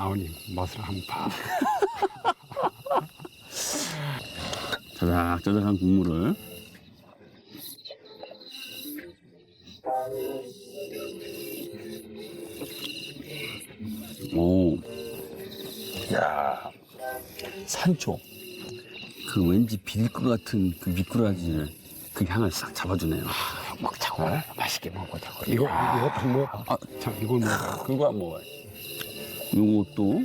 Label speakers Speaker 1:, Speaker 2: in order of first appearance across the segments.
Speaker 1: 아버님 맛을 한번 봐.
Speaker 2: 자작자작한 국물을. 오, 야, 산초. 그 왠지 비릴 것 같은 그 미꾸라지를 그 향을 싹 잡아주네요.
Speaker 1: 먹자고. 맛있게 먹자고. 이거 한번 먹어.
Speaker 2: 아,
Speaker 1: 참 이걸 먹어.
Speaker 2: 그거 안 먹어요. 요것도,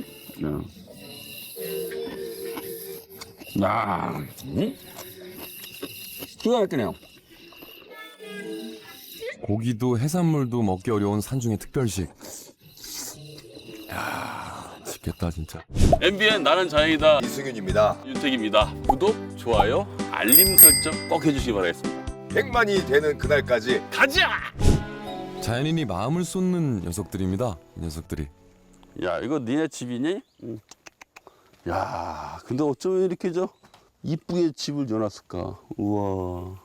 Speaker 2: 야, 기가 막히네요.
Speaker 3: 고기도 해산물도 먹기 어려운 산중의 특별식. 야, 맛있겠다 진짜.
Speaker 2: MBN 나는 자연이다.
Speaker 4: 이승윤입니다.
Speaker 2: 윤택입니다. 구독, 좋아요, 알림 설정 꼭 해주시기 바라겠습니다.
Speaker 4: 100만이 되는 그날까지
Speaker 2: 가자!
Speaker 3: 자연인이 마음을 쏟는 녀석들입니다. 이 녀석들이.
Speaker 2: 야, 이거 니네 집이니? 응. 야, 근데 어쩌면 이렇게 이쁘게 집을 지어놨을까? 우와.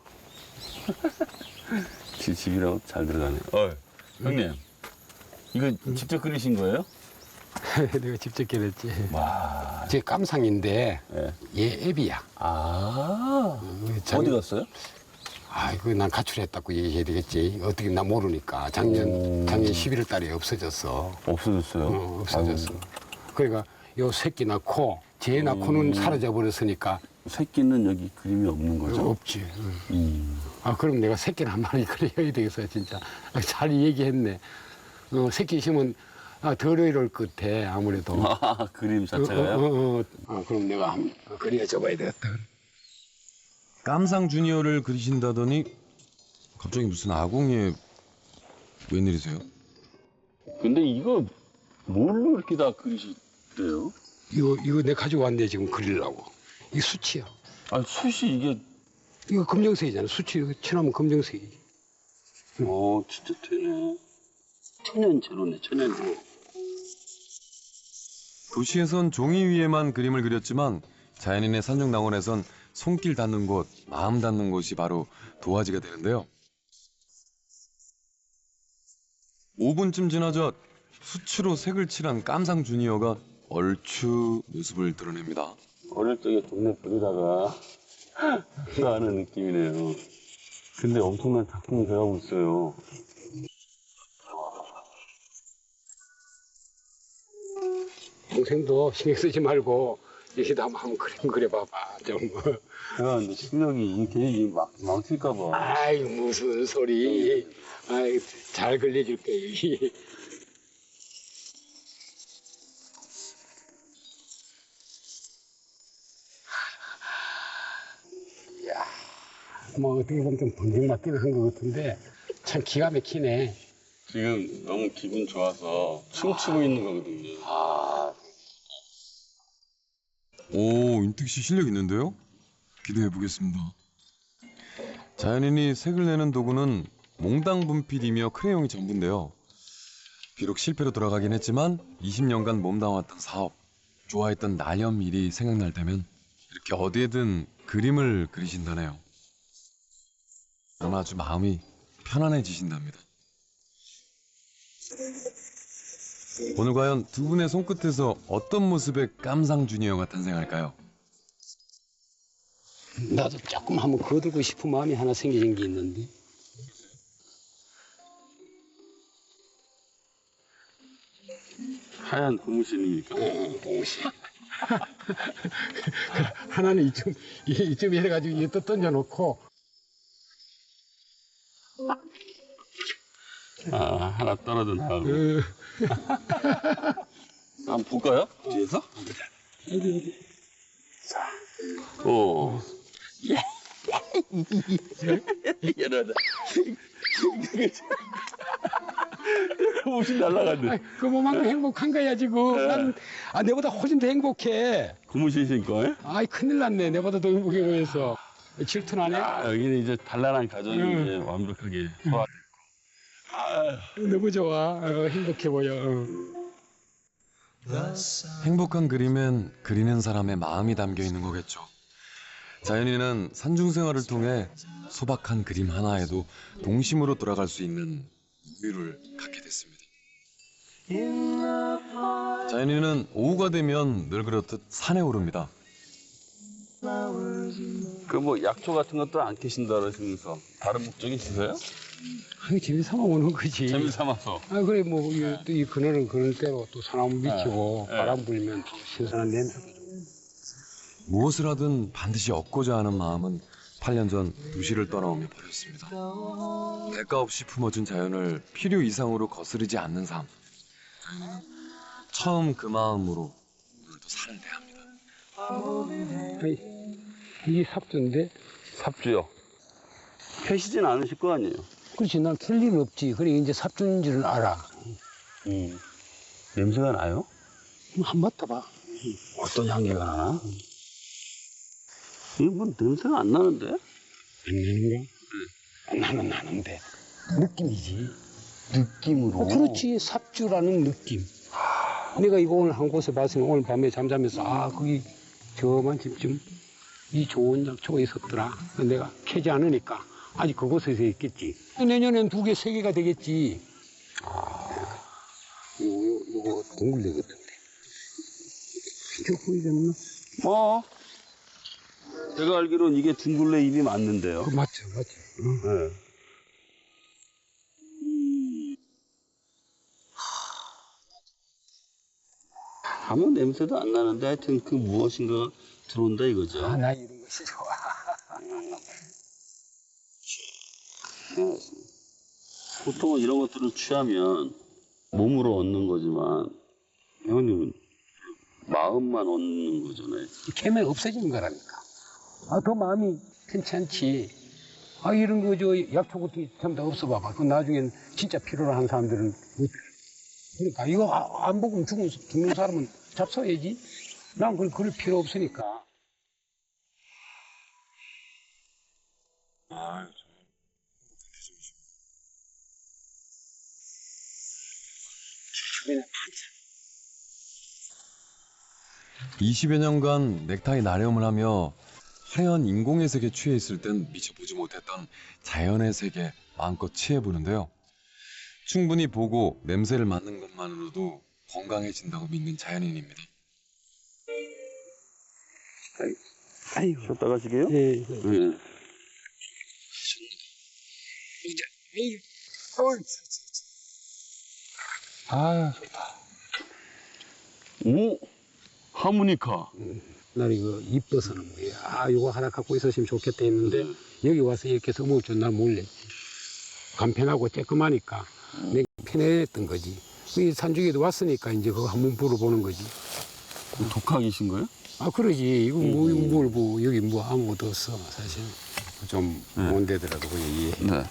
Speaker 2: 집이라고 잘 들어가네. 형님, 이거 직접 그리신 거예요?
Speaker 1: 내가 직접 기렸지.
Speaker 2: 와.
Speaker 1: 제 깜상인데
Speaker 2: 네.
Speaker 1: 얘 애비야.
Speaker 2: 아. 어디 갔어요?
Speaker 1: 아이고 난 가출했다고 얘기해야 되겠지. 어떻게 나 모르니까 작년 11월 달에 없어졌어.
Speaker 2: 없어졌어요?
Speaker 1: 없어졌어. 그러니까 요 새끼 낳고 쟤 낳고는 사라져 버렸으니까
Speaker 2: 새끼는 여기 그림이 없는 거죠?
Speaker 1: 없지. 아 그럼 내가 새끼를 한 마리 그려야 되겠어 진짜. 잘 얘기했네. 새끼 있으면 덜 어려울 것 같아 아무래도.
Speaker 2: 아, 그림 자체가요?
Speaker 1: 그럼 내가 한번 그려줘봐야 되겠다.
Speaker 3: 깜상 주니어를 그리신다더니 갑자기 무슨 아궁이에 웬일이세요?
Speaker 2: 근데 이거 뭘로 이렇게 다 그리시대요?
Speaker 1: 이거 내가 가지고 왔네 지금 그리려고. 이 수치야.
Speaker 2: 아, 숱이 이게.
Speaker 1: 이거 검정색이잖아. 수치 칠하면 검정색이지.
Speaker 2: 진짜 되네. 천연재료네, 천연재료.
Speaker 3: 도시에선 종이 위에만 그림을 그렸지만 자연인의 산중낭원에선 손길 닿는 곳, 마음 닿는 곳이 바로 도화지가 되는데요. 5분쯤 지나자 수치로 색을 칠한 깜상 주니어가 얼추 모습을 드러냅니다.
Speaker 2: 어릴 적에 동네 버리다가 하는 느낌이네요. 근데 엄청난 작품을 돼가고 있어요.
Speaker 1: 동생도 신경 쓰지 말고 여기다 한번 그림 그려봐봐 좀.
Speaker 2: 제가 근데 실력이 괜히 망칠까봐.
Speaker 1: 아이 무슨 소리. 아이 잘 그려줄게. 야, 뭐 어떻게 보면 좀 번쩍 맞기는 한 것 같은데 참 기가 막히네.
Speaker 2: 지금 너무 기분 좋아서 춤추고 있는 거거든요.
Speaker 3: 오, 윤택 씨 실력 있는데요? 기대해 보겠습니다. 자연인이 색을 내는 도구는 몽당 분필이며 크레용이 전부인데요. 비록 실패로 돌아가긴 했지만 20년간 몸담았던 사업, 좋아했던 나염 일이 생각날 때면 이렇게 어디에든 그림을 그리신다네요. 그럼 아주 마음이 편안해지신답니다. 오늘 과연 두 분의 손끝에서 어떤 모습의 깜상 주니어가 탄생할까요?
Speaker 1: 나도 조금 한번 거들고 싶은 마음이 하나 생기는 게 있는데.
Speaker 2: 하얀 고무신이니까.
Speaker 1: 고무신. 하나는 이쯤 해가지고 이또 던져놓고.
Speaker 2: 하나 떨어져 나가고. 한번 볼까요? 뒤에서? 자. 오. 이러다. 고무신 날라갔네.
Speaker 1: 그만큼 행복한 거야 지금. 난 내보다 훨씬 더 행복해.
Speaker 2: 고무신 신고, 에?
Speaker 1: 아이 큰일 났네. 내보다 더 행복해 보여서. 질투나네.
Speaker 2: 여기는 이제 단란한 가정이 이제 완벽하게 소화.
Speaker 1: 너무 좋아. 행복해 보여.
Speaker 3: 행복한 그림엔 그리는 사람의 마음이 담겨 있는 거겠죠. 자연인은 산중생활을 통해 소박한 그림 하나에도 동심으로 돌아갈 수 있는 여유를 갖게 됐습니다. 자연이는 오후가 되면 늘 그렇듯 산에 오릅니다.
Speaker 2: 그 뭐 약초 같은 것도 안 캐신다 그러시면서 다른 목적이 있으세요?
Speaker 1: 아니, 재미삼아 오는 거지.
Speaker 2: 재미삼아서.
Speaker 1: 아, 그래, 뭐, 이 그늘은 그늘대로 또 소나무 비치고
Speaker 2: 네.
Speaker 1: 바람 불면 또 신선한 냄새도 좀.
Speaker 3: 무엇을 하든 반드시 얻고자 하는 마음은 8년 전 도시를 떠나오며 버렸습니다. 대가 없이 품어준 자연을 필요 이상으로 거스르지 않는 삶. 자연이는 처음 그 마음으로 오늘도 산을 대합니다.
Speaker 1: 아니, 이게 삽주인데?
Speaker 2: 삽주요. 캐시진 않으실 거 아니에요?
Speaker 1: 그렇지, 난 캘 일은 없지. 그래, 이제 삽주인 줄은 알아.
Speaker 2: 냄새가 나요?
Speaker 1: 한번 맡아봐.
Speaker 2: 어떤 향기가 나나? 이거 뭐 냄새가 안 나는데?
Speaker 1: 안 나는가? 나는 나는데. 느낌이지.
Speaker 2: 느낌으로.
Speaker 1: 그렇지, 삽주라는 느낌. 내가 이거 오늘 한 곳에 봤으니 오늘 밤에 잠자면서, 아, 거기 저만쯤 이 좋은 약초가 있었더라. 내가 캐지 않으니까 아직 그곳에서 있겠지. 내년엔 2개, 3개가 되겠지. 요거 동굴대 같은데. 저 보이겠나?
Speaker 2: 제가 알기로는 이게 둥글레 잎이 맞는데요.
Speaker 1: 맞죠. 응.
Speaker 2: 네. 아무 냄새도 안 나는데 하여튼 그 무엇인가 들어온다 이거죠.
Speaker 1: 아, 나 이런 것이 좋아.
Speaker 2: 보통은 이런 것들을 취하면 몸으로 얻는 거지만 형님은 마음만 얻는 거잖아요.
Speaker 1: 캐면 없어지는 거라니까. 아, 더 마음이 괜찮지. 아, 이런 거, 약초 같은 게 전부 다 없어봐봐. 그 나중엔 진짜 필요로 하는 사람들은 못. 그러니까 이거 안 먹으면 죽는 사람은 잡숴야지. 난 그럴 필요 없으니까. 주변에
Speaker 3: 20여 년간 넥타이 나렴을 하며 화려한 인공의 세계에 취해 있을 땐 미처 보지 못했던 자연의 세계 마음껏 취해보는데요. 충분히 보고 냄새를 맡는 것만으로도 건강해진다고 믿는 자연인입니다.
Speaker 1: 아이고.
Speaker 2: 쉬었다 가시게요?
Speaker 1: 예.
Speaker 2: 네.
Speaker 1: 아, 좋다.
Speaker 2: 오! 하모니카.
Speaker 1: 난 이거 이뻐서는 뭐야. 아, 이거 하나 갖고 있었으면 좋겠다 했는데, 여기 와서 이렇게 해서 먹을 줄 난 몰랐지. 간편하고 쬐끔하니까 내가 편했던 거지. 이 산중에도 왔으니까 이제 그거 한번 불어보는 거지.
Speaker 2: 독학이신 거예요?
Speaker 1: 아, 그러지. 이거 뭐, 여기 뭐 아무것도 없어, 사실. 좀 먼 데더라도 그냥 이해해.
Speaker 2: 네.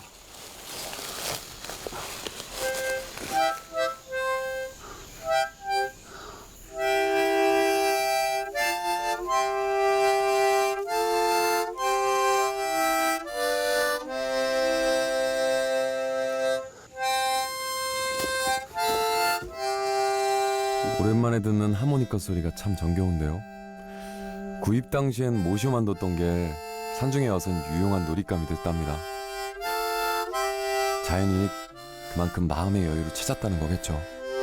Speaker 3: 오랜만에 듣는 하모니카 소리가 참 정겨운데요. 구입 당시엔 모셔만 뒀던 게 산중에 와선 유용한 놀잇감이 됐답니다. 자연인이 그만큼 마음의 여유를 찾았다는 거겠죠.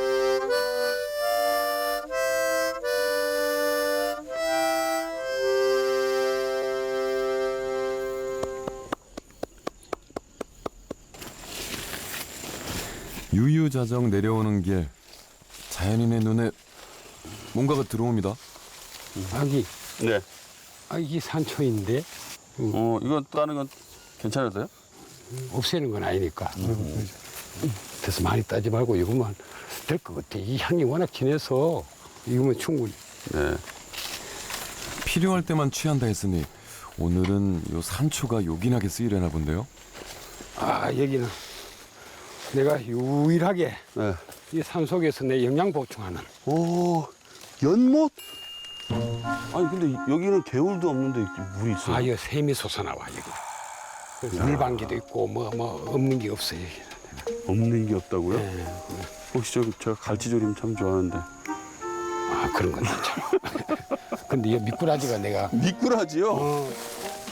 Speaker 3: 유유자적 내려오는 길, 자연인의 눈에 뭔가가 들어옵니다.
Speaker 1: 아기,
Speaker 2: 네.
Speaker 1: 이게 산초인데,
Speaker 2: 이건 따는 건 괜찮으세요?
Speaker 1: 없애는 건 아니니까. 그래서 많이 따지 말고 이것만 될 것 같아. 이 향이 워낙 진해서 이거면 충분히.
Speaker 2: 네.
Speaker 3: 필요할 때만 취한다 했으니 오늘은 요 산초가 요긴하게 쓰이려나 본데요.
Speaker 1: 아, 여기는 내가 유일하게
Speaker 2: 네.
Speaker 1: 이 산속에서 내 영양 보충하는.
Speaker 2: 오, 연못? 아니, 근데 여기는 개울도 없는데 물이 있어요.
Speaker 1: 아, 여기 샘이 솟아나와, 여기. 그래서 물방기도 있고, 뭐, 없는 게 없어요, 여기.
Speaker 2: 없는 게 없다고요?
Speaker 1: 네.
Speaker 2: 혹시 제가 갈치조림 참 좋아하는데.
Speaker 1: 아, 그런 건 괜찮아. 근데 이 미꾸라지가 내가.
Speaker 2: 미꾸라지요?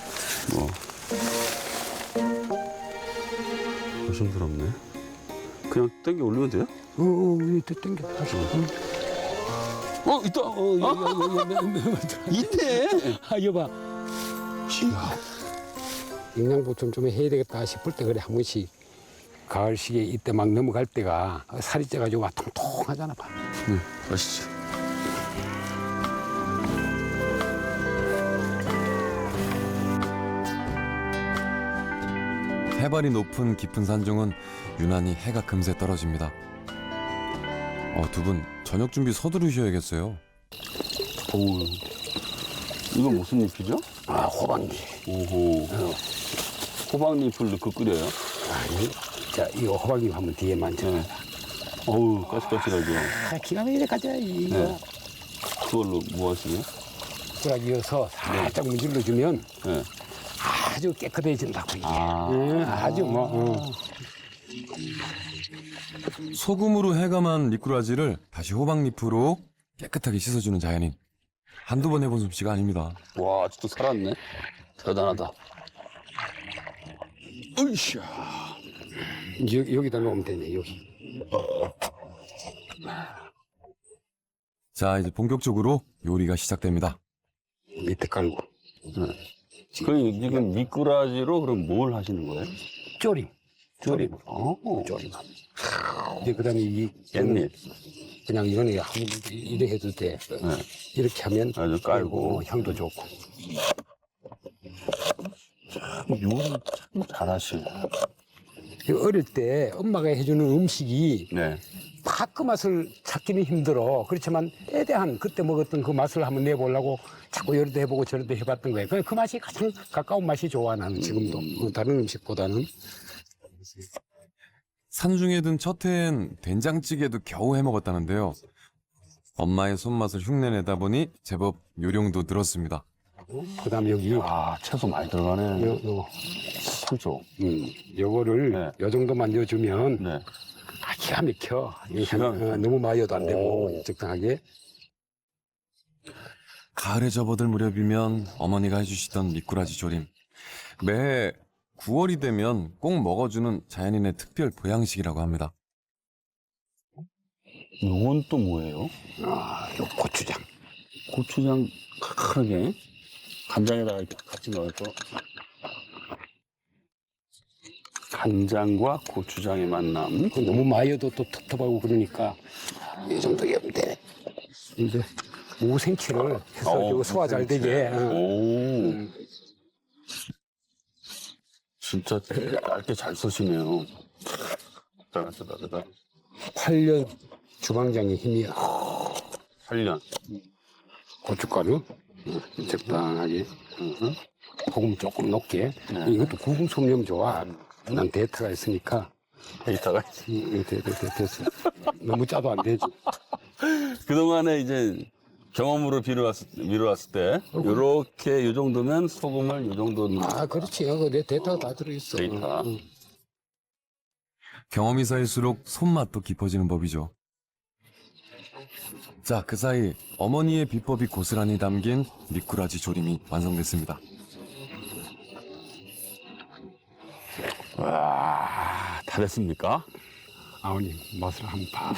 Speaker 2: 조심스럽네. 그냥 땡겨 올리면 돼요?
Speaker 1: 이때 땡겨. 다시.
Speaker 2: 있다. 있네.
Speaker 1: 여봐. 영양보충 좀 해야 되겠다 싶을 때 그래 한 번씩 가을 시기에 이때 막 넘어갈 때가 살이 쪄가지고 막 통통하잖아. 봐.
Speaker 2: 맛있죠.
Speaker 3: 해발이 높은 깊은 산중은 유난히 해가 금세 떨어집니다. 두 분 저녁 준비 서두르셔야겠어요.
Speaker 2: 어우, 이건 무슨 잎이죠?
Speaker 1: 호박잎.
Speaker 2: 오호. 호박잎을 넣고 끓여요?
Speaker 1: 아니, 자 이거 호박잎 한번 뒤에 만져.
Speaker 2: 네. 어우, 까칠까칠하죠.
Speaker 1: 기가 막히게 가져 이거.
Speaker 2: 네. 그걸로 뭐 하시게요?
Speaker 1: 자 이어서 살짝 문질러 주면
Speaker 2: 네.
Speaker 1: 아주 깨끗해진다고 이게.
Speaker 2: 아.
Speaker 1: 아주 뭐.
Speaker 3: 소금으로 해감한 미꾸라지를 다시 호박잎으로 깨끗하게 씻어주는 자연인. 한두 번 해본 솜씨가 아닙니다.
Speaker 2: 와, 아직도 살았네. 대단하다. 으쌰.
Speaker 1: 여기다 놓으면 되네 여기.
Speaker 3: 자, 이제 본격적으로 요리가 시작됩니다.
Speaker 1: 밑에 깔고.
Speaker 2: 그럼 지금 미꾸라지로 그럼 뭘 하시는 거예요?
Speaker 1: 조림.
Speaker 2: 조림.
Speaker 1: 조림. 이제 그다음에 이
Speaker 2: 깻잎.
Speaker 1: 그냥 이거는 한번 이렇게 해도 돼. 이렇게 하면
Speaker 2: 아주 깔고.
Speaker 1: 향도 좋고.
Speaker 2: 요리 참 잘하시네.
Speaker 1: 어릴 때 엄마가 해주는 음식이
Speaker 2: 네.
Speaker 1: 다 그 맛을 찾기는 힘들어. 그렇지만 때에 대한 그때 먹었던 그 맛을 한번 내보려고 자꾸 이렇게 해보고 저렇게 해봤던 거예요. 그 맛이 가장 가까운 맛이 좋아 나는 지금도. 다른 음식보다는.
Speaker 3: 산중에 든 첫 해엔 된장찌개도 겨우 해먹었다는데요. 엄마의 손맛을 흉내내다 보니 제법 요령도 늘었습니다.
Speaker 1: 그다음 여기
Speaker 2: 채소 많이 들어가네.
Speaker 1: 요
Speaker 2: 그죠?
Speaker 1: 요거를
Speaker 2: 네.
Speaker 1: 요 정도만 넣어주면
Speaker 2: 네.
Speaker 1: 기가 막혀.
Speaker 2: 기가 막혀.
Speaker 1: 너무 마여도 안 되고 적당하게.
Speaker 3: 가을에 접어들 무렵이면 어머니가 해주시던 미꾸라지 조림. 매해 9월이 되면 꼭 먹어주는 자연인의 특별 보양식이라고 합니다.
Speaker 2: 이건 또 뭐예요?
Speaker 1: 요 고추장.
Speaker 2: 고추장 칼칼하게 간장에다가 이렇게 같이 넣어서 간장과 고추장의 만남.
Speaker 1: 너무 마여도 또 텁텁하고 그러니까 이 정도 하면 돼. 이제 무생채를 해서 요 소화 잘 되게.
Speaker 2: 오. 진짜 얇게 잘 쓰시네요. 대단하다.
Speaker 1: 8년 주방장의 힘이야.
Speaker 2: 8년.
Speaker 1: 고춧가루 적당하게. 소금 조금 넣게. 이것도 구분 솜념 좋아. 난 데이터가 있으니까.
Speaker 2: 데이터가
Speaker 1: 됐어. 너무 짜도 안 되지.
Speaker 2: 그동안에 이제 경험으로 미뤄왔을 때 요렇게 요 정도면 소금을 요 정도
Speaker 1: 그렇지. 내 데이터가 다 들어있어.
Speaker 2: 데이터.
Speaker 3: 경험이 쌓일수록 손맛도 깊어지는 법이죠. 자, 그 사이 어머니의 비법이 고스란히 담긴 미꾸라지 조림이 완성됐습니다.
Speaker 2: 와, 다 됐습니까?
Speaker 1: 아버님 맛을 한번 봐.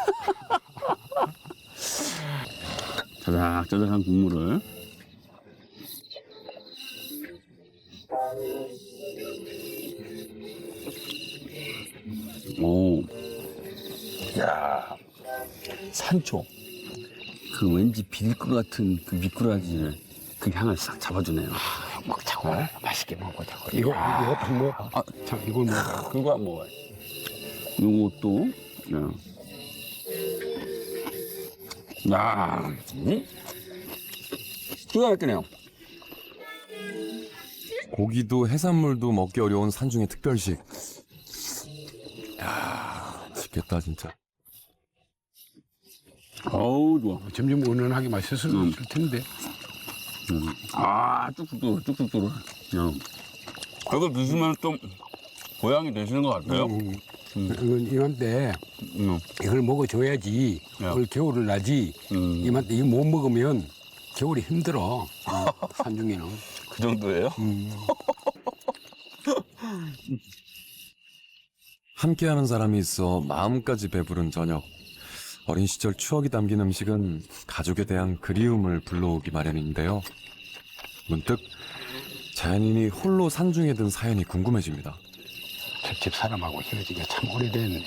Speaker 2: 짜작짜작한 국물을 오, 야, 산초 그 왠지 비릴 것 같은 그 미꾸라지를 그 향을 싹 잡아주네요.
Speaker 1: 먹자고. 맛있게 먹어자고. 이거 딱 먹어. 참 이걸 먹어.
Speaker 2: 그거 안 먹어요. 요것도 야, 기가 막히네요.
Speaker 3: 고기도 해산물도 먹기 어려운 산중의 특별식. 야, 맛있겠다 진짜.
Speaker 2: 어우 좋아.
Speaker 1: 점점 은은하게 맛있을 텐데.
Speaker 2: 쭉쭉 뚫어. 이거 드시면 좀 고향이 되시는 것 같아요.
Speaker 1: 이건 이맘때 이걸 먹어줘야지 올 겨울을 나지. 이맘때 이거 못 먹으면 겨울이 힘들어. 산중에는.
Speaker 2: 그 정도예요?
Speaker 3: 함께하는 사람이 있어 마음까지 배부른 저녁. 어린 시절 추억이 담긴 음식은 가족에 대한 그리움을 불러오기 마련인데요. 문득 자연인이 홀로 산중에 든 사연이 궁금해집니다.
Speaker 1: 집 사람하고 헤어진 게 참 오래됐네.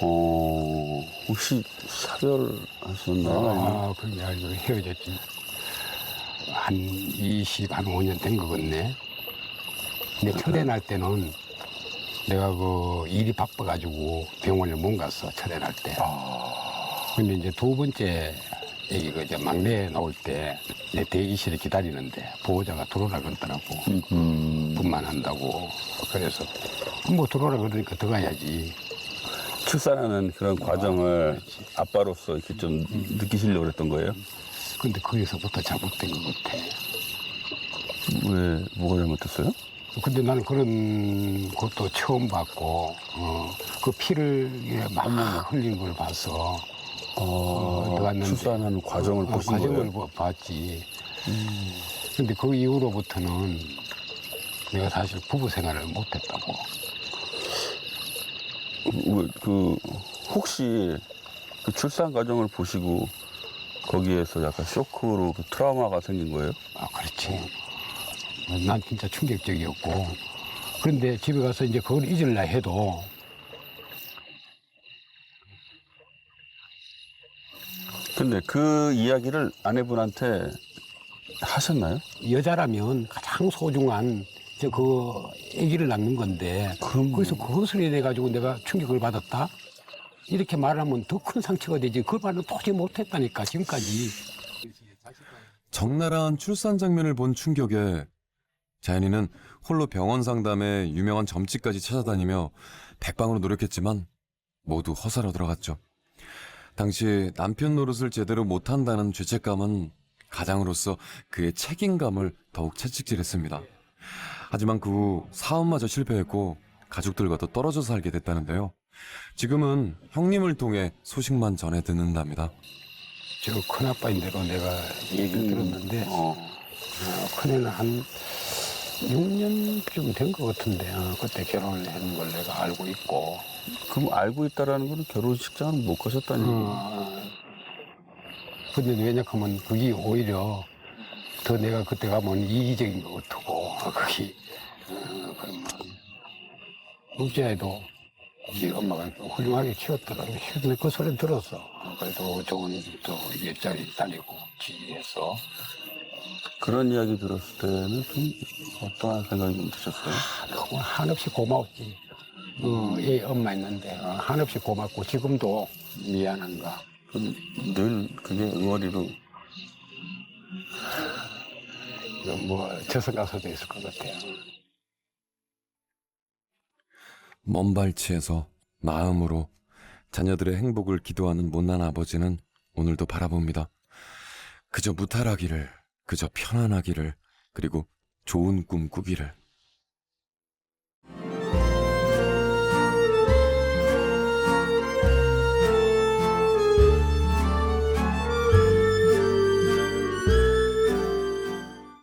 Speaker 2: 혹시 사별하셨나요?
Speaker 1: 그게 아니고 헤어졌지. 한 5년 된 거 같네. 근데 철회 날 때는 내가 그 일이 바빠가지고 병원에 못 갔어, 철회 날 때. 근데 이제 두 번째 애기 그 이제 막내 나올 때 내 대기실에 기다리는데 보호자가 들어오라 그러더라고. 분만한다고. 그래서 뭐 들어오라 그러니까 들어가야지.
Speaker 2: 출산하는 그런 과정을 아빠로서 이렇게 좀 느끼시려고 그랬던 거예요?
Speaker 1: 근데 거기서부터 잘못된 것 같아.
Speaker 2: 왜, 뭐가 잘못됐어요?
Speaker 1: 근데 나는 그런 것도 처음 봤고, 그 피를 막 흘린 걸 봤어. 들어갔는데
Speaker 2: 출산하는 과정을 보신
Speaker 1: 과정을
Speaker 2: 거예요?
Speaker 1: 봤지. 근데 그 이후로부터는 내가 사실 부부 생활을 못했다고.
Speaker 2: 혹시 그 출산 과정을 보시고 거기에서 약간 쇼크로 그 트라우마가 생긴 거예요?
Speaker 1: 그렇지. 난 진짜 충격적이었고. 그런데 집에 가서 이제 그걸 잊으려 해도
Speaker 2: 근데 그 이야기를 아내분한테 하셨나요?
Speaker 1: 여자라면 가장 소중한 그 아기를 낳는 건데 거기서 그것을 해가지고 내가 충격을 받았다? 이렇게 말하면 더 큰 상처가 되지. 그걸 말은 도저히 못했다니까 지금까지.
Speaker 3: 적나라한 출산 장면을 본 충격에 자연이는 홀로 병원 상담에 유명한 점집까지 찾아다니며 백방으로 노력했지만 모두 허사로 들어갔죠. 당시 남편 노릇을 제대로 못한다는 죄책감은 가장으로서 그의 책임감을 더욱 채찍질했습니다. 하지만 그 후 사업마저 실패했고 가족들과도 떨어져 살게 됐다는데요. 지금은 형님을 통해 소식만 전해 듣는답니다.
Speaker 1: 저 큰아빠인대로 내가 얘기를 들었는데 큰애는 한 6년쯤 된 것 같은데 그때 결혼을 했는 걸 내가 알고 있고.
Speaker 2: 그럼 알고 있다라는 거는 결혼식장은 못 가셨다는 얘기예요?
Speaker 1: 근데 왜냐하면 그게 오히려 더 내가 그때 가면 이기적인 것 같고 그게 그런 둘째에도 우리 엄마가 훌륭하게 키웠더라고. 근데 그 소리 들었어. 그래도 좋은 또 일자리 다니고 지지해서.
Speaker 2: 그런 이야기 들었을 때는 좀 어떠한 생각이 드셨어요?
Speaker 1: 너무 한없이 고마웠지. 얘 엄마 있는데 한없이 고맙고 지금도 미안한가.
Speaker 2: 그럼 늘 그게 응어리로
Speaker 1: 뭐 저승 가서도 있을 것 같아요.
Speaker 3: 먼 발치에서 마음으로 자녀들의 행복을 기도하는 못난 아버지는 오늘도 바라봅니다. 그저 무탈하기를, 그저 편안하기를, 그리고 좋은 꿈 꾸기를.